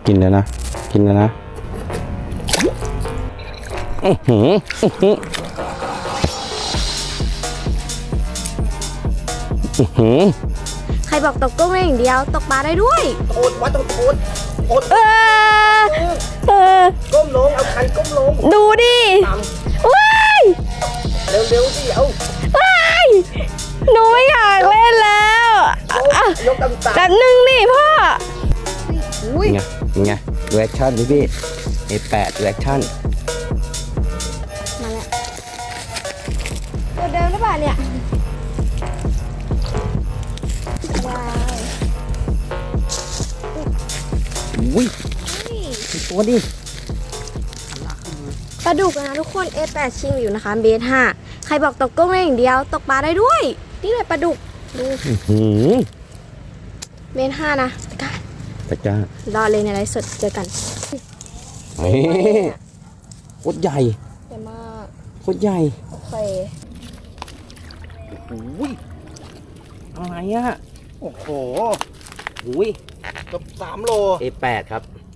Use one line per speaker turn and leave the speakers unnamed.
กินแล้วนะกินแล้วนะ
ใครบอกตกกุ้งได้อย่างเดียวตกปลาได้ด้วย
โทษว่าต้องโทษโทษ ก้มลงเอาคันก้มลง
ดูดิ
ตาม
ว้าย
เร็วๆสิเอา
ว้ายหนูไม่อยากเล่นแล้วอ่ะ
ยกตาม
แป๊บนึงนี่พ่อ
ไงไงรีแอคชั่นพี่A8รีแอคชั่น
มาแล้วตัวเดิมหรือเปล่าเนี่ยว้าว
อุ้ยตัวดิ
ปลาดุกนะทุกคน A8 ชิงอยู่นะคะเบส5ใครบอกตกกุ้งได้อย่างเดียวตกปลาได้ด้วย นี่เลยปลาดุกดูเบส5นะกัน
ตะกร้าร
อเลยในไลฟ์สดเจอกัน
เฮ้ยโคตรใหญ่
ใหญ่มาก
โคตรใหญ่
โอเค
อุ้ยอะไรอ่ะ
โอ้โห
อุ้ย
เกือบ3 โล
A8 ครับ